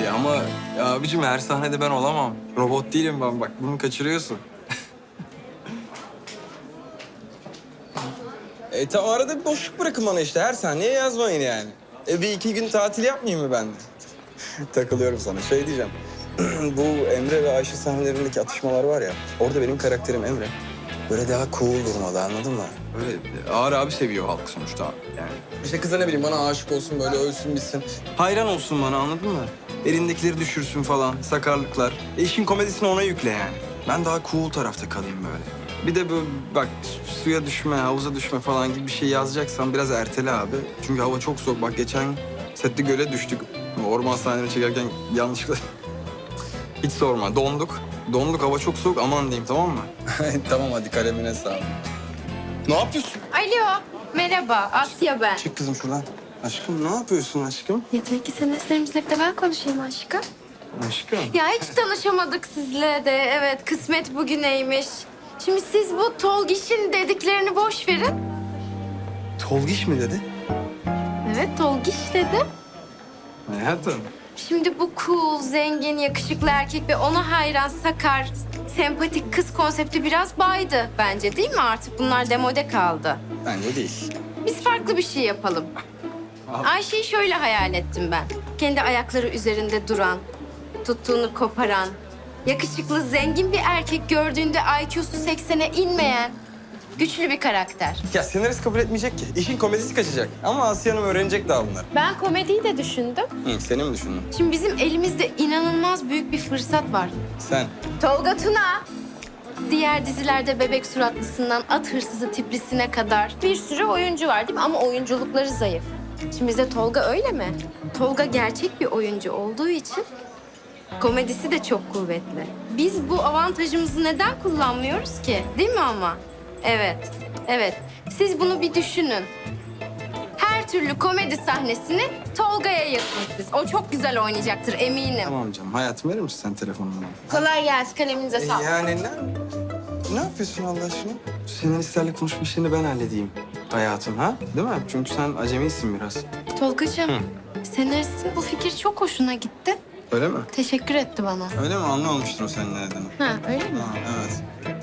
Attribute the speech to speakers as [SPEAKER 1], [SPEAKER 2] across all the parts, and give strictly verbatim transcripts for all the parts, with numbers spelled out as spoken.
[SPEAKER 1] E ama ya abicim her sahnede ben olamam. Robot değilim ben bak bunu kaçırıyorsun. e tamam arada bir boşluk bırakın bana işte her sahneye yazmayın yani. E bir iki gün tatil yapmayayım mı ben de? Takılıyorum sana. Şey diyeceğim. Bu Emre ve Ayşe sahnelerindeki atışmalar var ya. Orada benim karakterim Emre. Böyle daha cool durmalı anladın mı? Böyle ağır abi seviyor halk sonuçta yani. İşte kıza ne bileyim bana aşık olsun böyle ölsün bitsin. Hayran olsun bana anladın mı? Elindekileri düşürsün falan sakarlıklar. E işin komedisini ona yükle yani. Ben daha cool tarafta kalayım böyle. Bir de böyle bak su- suya düşme, havuza düşme falan gibi bir şey yazacaksan biraz ertele abi. Çünkü hava çok soğuk. Bak geçen sette göle düştük. Orman sahneleri çekerken yanlışlıkla... Hiç sorma. Donduk. Donduk. Hava çok soğuk. Aman diyeyim tamam mı? Tamam hadi kalemine sağ ol. Ne yapıyorsun?
[SPEAKER 2] Alo, merhaba. Asya ben.
[SPEAKER 1] Çık kızım şuradan. Aşkım ne yapıyorsun aşkım?
[SPEAKER 2] Yeter ki senin eslerimizle de ben konuşayım aşkım.
[SPEAKER 1] Aşkım.
[SPEAKER 2] Ya hiç tanışamadık sizle de. Evet, kısmet bugüneymiş. Şimdi siz bu Tolgiş'in dediklerini boş verin.
[SPEAKER 1] Tolgiş mi dedi?
[SPEAKER 2] Evet, Tolgiş dedi.
[SPEAKER 1] Hayatım.
[SPEAKER 2] Şimdi bu cool, zengin, yakışıklı erkek ve ona hayran, sakar, sempatik kız konsepti biraz baydı bence değil mi? Artık bunlar demode kaldı.
[SPEAKER 1] Bence değil.
[SPEAKER 2] Biz farklı bir şey yapalım. Ayşe'yi şöyle hayal ettim ben. Kendi ayakları üzerinde duran, tuttuğunu koparan, yakışıklı, zengin bir erkek gördüğünde I Q'su seksene inmeyen, güçlü bir karakter.
[SPEAKER 1] Ya senarist kabul etmeyecek ki. İşin komedisi kaçacak. Ama Asya Hanım öğrenecek daha bunları.
[SPEAKER 2] Ben komediyi de düşündüm.
[SPEAKER 1] Hı, seni mi düşündün?
[SPEAKER 2] Şimdi bizim elimizde inanılmaz büyük bir fırsat var.
[SPEAKER 1] Sen.
[SPEAKER 2] Tolga Tuna. Diğer dizilerde bebek suratlısından at hırsızı tiplisine kadar bir sürü oyuncu var değil mi? Ama oyunculukları zayıf. Şimdi bizde Tolga öyle mi? Tolga gerçek bir oyuncu olduğu için komedisi de çok kuvvetli. Biz bu avantajımızı neden kullanmıyoruz ki? Değil mi ama? Evet, evet. Siz bunu bir düşünün. Her türlü komedi sahnesini Tolga'ya yapın siz. O çok güzel oynayacaktır eminim.
[SPEAKER 1] Tamam canım. Hayatım verir misin sen telefonunu bana?
[SPEAKER 2] Kolay gelsin, kaleminize
[SPEAKER 1] E,
[SPEAKER 2] sağlık.
[SPEAKER 1] yani ne, ne yapıyorsun Allah aşkına? Senaristlerle konuşma işlerini ben halledeyim hayatım ha? Değil mi? Çünkü sen acemisin biraz.
[SPEAKER 2] Tolgacığım,
[SPEAKER 1] Hı.
[SPEAKER 2] senaristin bu fikir çok hoşuna gitti.
[SPEAKER 1] Öyle mi?
[SPEAKER 2] Teşekkür etti bana.
[SPEAKER 1] Öyle mi? Anlamamıştım o senin ne dediğini.
[SPEAKER 2] Ha, öyle mi?
[SPEAKER 1] Ha, evet.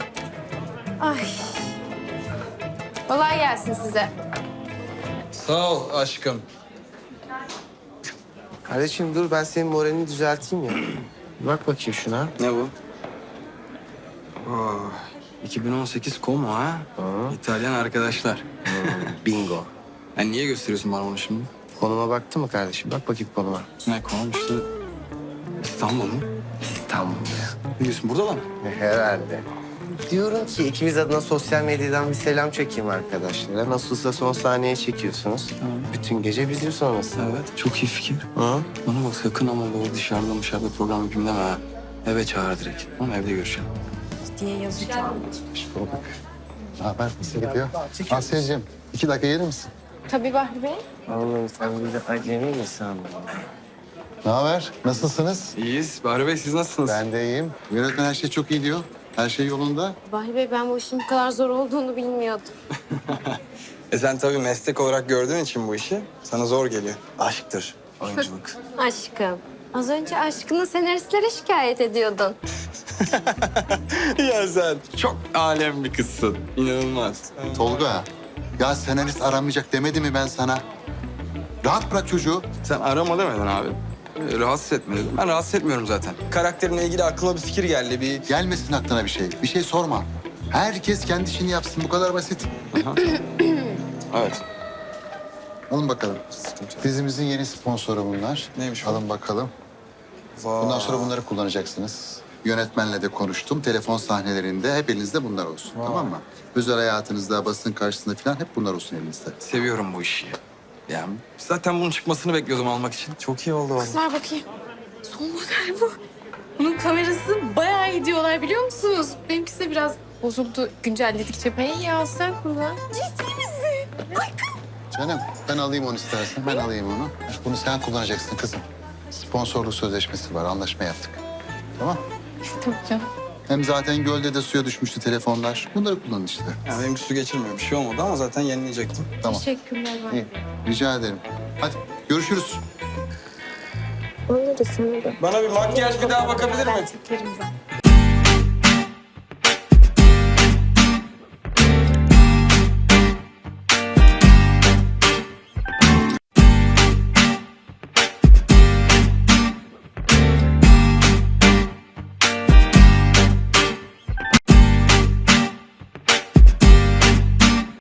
[SPEAKER 2] Ay. Kolay gelsin size.
[SPEAKER 1] Sağ ol aşkım.
[SPEAKER 3] Kardeşim dur ben senin moralini düzelteyim ya. Bir bak bakayım şuna.
[SPEAKER 1] Ne bu? Oh, iki bin on sekiz Como ha?
[SPEAKER 3] Aa.
[SPEAKER 1] İtalyan arkadaşlar.
[SPEAKER 3] Bingo.
[SPEAKER 1] Yani niye gösteriyorsun bana bunu şimdi?
[SPEAKER 3] Konuma baktın mı kardeşim? Bak bakayım konuma.
[SPEAKER 1] Ne konum işte İstanbul mu?
[SPEAKER 3] İstanbul ya.
[SPEAKER 1] Ne diyorsun burada mı?
[SPEAKER 3] Herhalde. Diyorum ki ikimiz adına sosyal medyadan bir selam çekeyim arkadaşlara. Nasılsa son sahneye çekiyorsunuz.
[SPEAKER 1] Tamam.
[SPEAKER 3] Bütün gece bizim sonrası.
[SPEAKER 1] Evet çok iyi fikir.
[SPEAKER 3] Hı?
[SPEAKER 1] Bana bak sakın ama böyle dışarıda dışarıda program yapayım deme ha. Eve çağır direkt. Ama evde görüşelim.
[SPEAKER 2] Diye yazacağım.
[SPEAKER 4] Bulduk. Ne haber? Nasıl gidiyor? Asya'cığım, iki dakika gelir misin?
[SPEAKER 2] Tabii Bahri Bey.
[SPEAKER 3] Oğlum sen bir de acemi misin?
[SPEAKER 4] Ne haber? Nasılsınız?
[SPEAKER 1] İyiyiz. Bahri Bey siz nasılsınız?
[SPEAKER 4] Ben de iyiyim. Yönetmen her şey çok iyi diyor. Her şey yolunda.
[SPEAKER 2] Bahri Bey ben bu işin bu kadar zor olduğunu bilmiyordum.
[SPEAKER 1] E sen tabii meslek olarak gördüğün için bu işi sana zor geliyor. Aşktır oyunculuk.
[SPEAKER 2] Aşkım. Az önce aşkını senaristlere şikayet ediyordun.
[SPEAKER 1] Ya sen çok alem bir kızsın. İnanılmaz.
[SPEAKER 4] Tolga, ya senarist aramayacak demedi mi ben sana? Rahat bırak çocuğu.
[SPEAKER 1] Sen arama demedin abi. Ee, Rahatsız etme dedim. Ben rahatsız etmiyorum zaten. Karakterinle ilgili aklıma bir fikir geldi. Bir
[SPEAKER 4] Gelmesin aklına bir şey. Bir şey sorma. Herkes kendi işini yapsın. Bu kadar basit.
[SPEAKER 1] Evet.
[SPEAKER 4] Alın bakalım. Dizimizin yeni sponsoru bunlar.
[SPEAKER 1] Neymiş bu?
[SPEAKER 4] Alın bakalım. Bundan sonra bunları kullanacaksınız. Yönetmenle de konuştum. Telefon sahnelerinde hep elinizde bunlar olsun. Tamam mı? Özel hayatınızda, basın karşısında falan hep bunlar olsun elinizde.
[SPEAKER 1] Seviyorum bu işi. Yani zaten bunun çıkmasını bekliyordum almak için. Çok iyi oldu o.
[SPEAKER 2] Ver bakayım. Son model bu. Bunun kamerası bayağı iyi diyorlar biliyor musunuz? Benimkisi de biraz bozuldu güncelledikçe. Hey ya sen kullan. Ciddi misin? Ay
[SPEAKER 4] Canım ben alayım onu istersen. Ben alayım onu. Bunu sen kullanacaksın kızım. Sponsorluk sözleşmesi var. Anlaşma yaptık. Tamam.
[SPEAKER 2] tamam canım.
[SPEAKER 4] Hem zaten gölde de suya düşmüştü telefonlar. Bunları kullanın işte.
[SPEAKER 1] Yani benim su geçirmiyor. Bir şey olmadı ama zaten yenileyecektim.
[SPEAKER 4] Tamam.
[SPEAKER 2] Teşekkürler. Bahri.
[SPEAKER 4] İyi. Rica ederim. Hadi görüşürüz.
[SPEAKER 2] Bana da sana da.
[SPEAKER 1] Bana bir makyaj bir daha bakabilir mi?
[SPEAKER 2] Ben çekerim zaten.